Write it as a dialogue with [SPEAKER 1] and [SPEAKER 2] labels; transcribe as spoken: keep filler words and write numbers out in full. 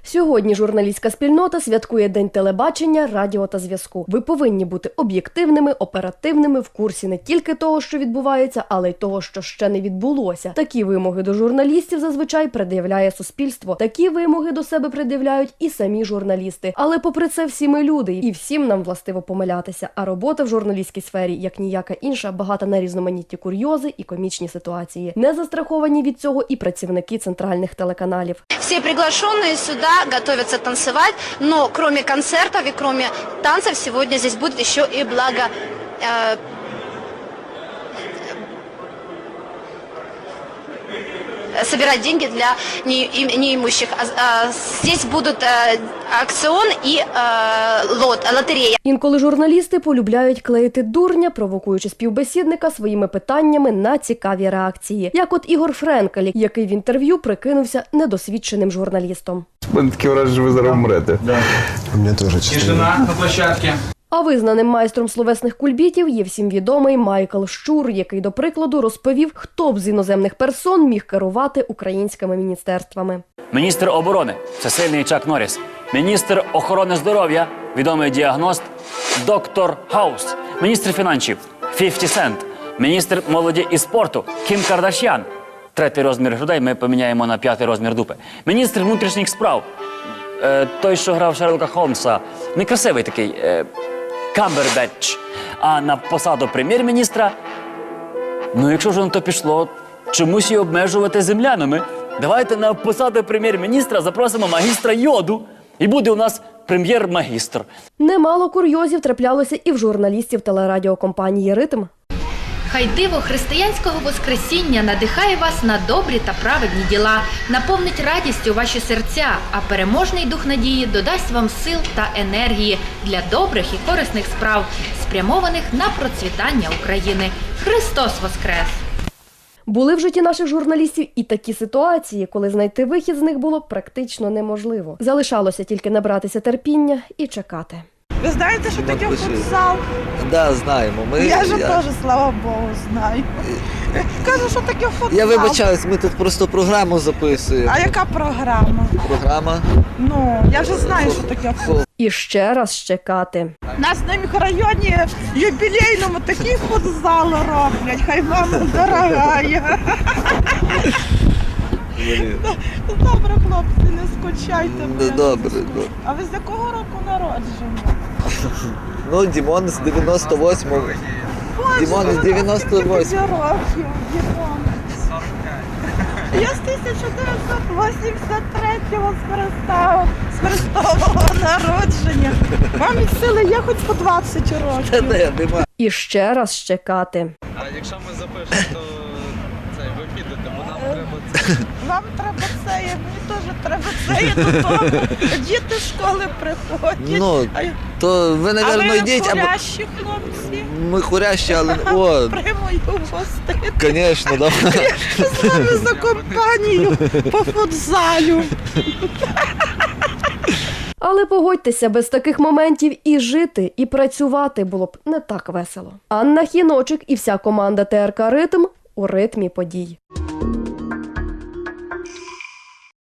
[SPEAKER 1] Сьогодні журналістська спільнота святкує День телебачення, радіо та зв'язку. Ви повинні бути об'єктивними, оперативними, в курсі не тільки того, що відбувається, але й того, що ще не відбулося. Такі вимоги до журналістів зазвичай пред'являє суспільство. Такі вимоги до себе пред'являють і самі журналісти. Але попри це всі ми люди, і всім нам властиво помилятися. А робота в журналістській сфері, як ніяка інша, багата на різноманітні курйози і комічні ситуації. Не застраховані від цього і працівники центральних телеканалів.
[SPEAKER 2] Все приглашенные сюда готовятся танцевать, но кроме концертов и кроме танцев сегодня здесь будет еще и благо... Э, собирать деньги для неимущих. Здесь будут аукцион и лот, лотерея.
[SPEAKER 1] Інколи журналісти полюбляють клеїти дурня, провокуючи співбесідника своїми питаннями на цікаві реакції. Як от Ігор Френкель, який в інтерв'ю прикинувся недосвідченим журналістом.
[SPEAKER 3] У мене таке враження, що ви зараз вмрете.
[SPEAKER 4] Да.
[SPEAKER 5] У мене теж чесно.
[SPEAKER 4] Тишина на площадці.
[SPEAKER 1] А визнаним майстром словесних кульбітів є всім відомий Майкл Щур, який, до прикладу, розповів, хто б з іноземних персон міг керувати українськими міністерствами.
[SPEAKER 6] Міністр оборони – це сильний Чак Норріс. Міністр охорони здоров'я – відомий діагност доктор Хаус. Міністр фінансів – фіфті Сент. Міністр молоді і спорту – Кім Кардаш'ян. Третій розмір грудей ми поміняємо на п'ятий розмір дупи. Міністр внутрішніх справ е, – той, що грав Шерлока Холмса. Некрасивий такий е, – Камбербетч. А на посаду прем'єр-міністра, ну якщо вже на то пішло, чомусь її обмежувати землянами. Давайте на посаду прем'єр-міністра запросимо магістра йоду, і буде у нас прем'єр-магістр.
[SPEAKER 1] Немало курйозів траплялося і в журналістів телерадіокомпанії «Ритм».
[SPEAKER 7] Хай диво християнського воскресіння надихає вас на добрі та праведні діла, наповнить радістю ваші серця, а переможний дух надії додасть вам сил та енергії для добрих і корисних справ, спрямованих на процвітання України. Христос воскрес!
[SPEAKER 1] Були в житті наших журналістів і такі ситуації, коли знайти вихід з них було практично неможливо. Залишалося тільки набратися терпіння і чекати.
[SPEAKER 8] Ви знаєте, що таке футзал?
[SPEAKER 9] Да, знаємо. Ми,
[SPEAKER 8] я ж
[SPEAKER 9] я...
[SPEAKER 8] теж, слава Богу, знаю. Кажу, що таке футзал.
[SPEAKER 9] Я вибачаюсь, ми тут просто програму записуємо.
[SPEAKER 8] А яка програма?
[SPEAKER 9] Програма?
[SPEAKER 8] Ну, я вже знаю, що таке футзал.
[SPEAKER 1] І ще раз чекати.
[SPEAKER 8] У нас на мікрорайоні юбілейному такий футзал роблять. Хай вам дорогая. Добре, хлопці, не скучайте.
[SPEAKER 9] Добре, добре.
[SPEAKER 8] А ви з якого року народження?
[SPEAKER 9] Ну, Дімон з дев'яносто восьмого. Дімон з дев'яносто восьмого.
[SPEAKER 8] років, Дімон. Я з тисяча дев'ятсот вісімдесят третього з Христового народження. Вам від сили є хоч по двадцять років.
[SPEAKER 9] Та не, нема.
[SPEAKER 1] І ще раз чекати.
[SPEAKER 4] А якщо ми запишемо, то це, ви підете, бо нам треба це.
[SPEAKER 8] Вам треба це, мені теж треба це, я додому. Діти з школи приходять.
[SPEAKER 9] Ну, то ви,
[SPEAKER 8] а
[SPEAKER 9] напевно,
[SPEAKER 8] ви
[SPEAKER 9] йдіть, або...
[SPEAKER 8] хурящі хлопці.
[SPEAKER 9] Ми хурящі, але... О,
[SPEAKER 8] Примою гостити.
[SPEAKER 9] звісно, да.
[SPEAKER 8] З вами за компанію по футзалю.
[SPEAKER 1] Але погодьтеся, без таких моментів і жити, і працювати було б не так весело. Анна Хіночик і вся команда Т Р К «Ритм» у ритмі подій.